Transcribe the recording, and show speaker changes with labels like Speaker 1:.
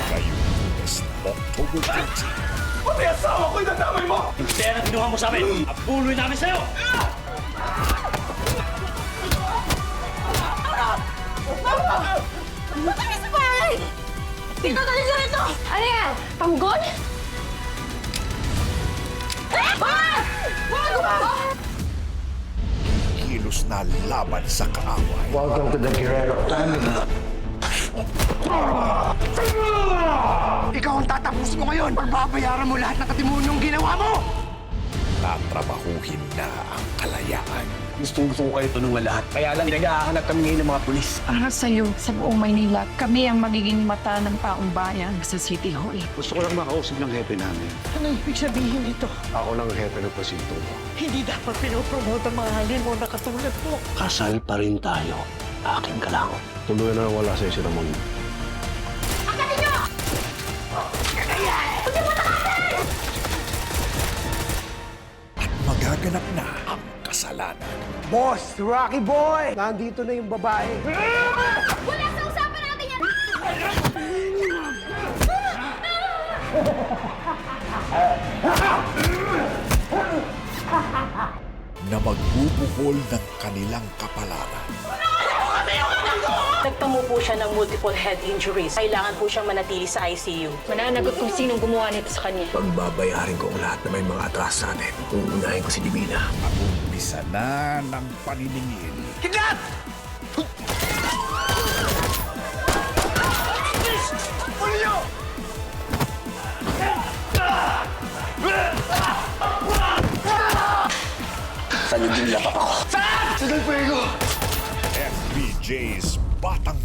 Speaker 1: Ngayong Lunes, October 20.
Speaker 2: Pati asawa ko yung nadamay mo!
Speaker 3: Yung pera kinuha mo sa amin, apuloy namin sa'yo!
Speaker 4: Matay sa bahay! Tingnan ka nila ito! Ano yan? Panggol? Bago ba?
Speaker 1: Kilos na laban sa kaaway.
Speaker 5: Welcome to the Guerrero family. Ikaw ang tatapusin mo ngayon. Pagbabayaran mo lahat ng katimonyong ginawa mo.
Speaker 1: Tatrabahuhin na ang kalayaan.
Speaker 5: Gusto ko kayo tulungan lahat. Kaya lang nag-ahanap kami ngayon ng mga pulis.
Speaker 6: Para sa'yo, sa buong Maynila, kami ang magiging mata ng taong bayan sa City Hall.
Speaker 5: Gusto ko lang makausap ng hepe namin.
Speaker 6: Ano ibig sabihin nito?
Speaker 5: Ako lang ang hepe ng presinto mo.
Speaker 6: Hindi dapat pinopromote ang mga halin mo na katulad mo.
Speaker 5: Kasal pa rin tayo. Akin ka lang. Tuloy na wala sa'yo si Ramon.
Speaker 1: At magaganap na ang kasalanan.
Speaker 5: Boss, Rocky Boy! Nandito na yung babae.
Speaker 4: Wala sa usapan natin yan!
Speaker 1: Na magbubuhol ng kanilang kapalaran.
Speaker 7: Nagtamo po siya ng multiple head injuries. Kailangan po siyang manatili sa ICU.
Speaker 6: Mananagot kung sinong gumawa nito sa kanya.
Speaker 5: Pagbabayarin ko ang lahat na may mga atras sa atin. Uunahin ko si Divina.
Speaker 1: At umpisa na ng paniningil.
Speaker 5: Kidnap! Ulo nyo! Saan yung dinlapak ako? Saan? Sa Del Fuego!
Speaker 1: FBJ's Batang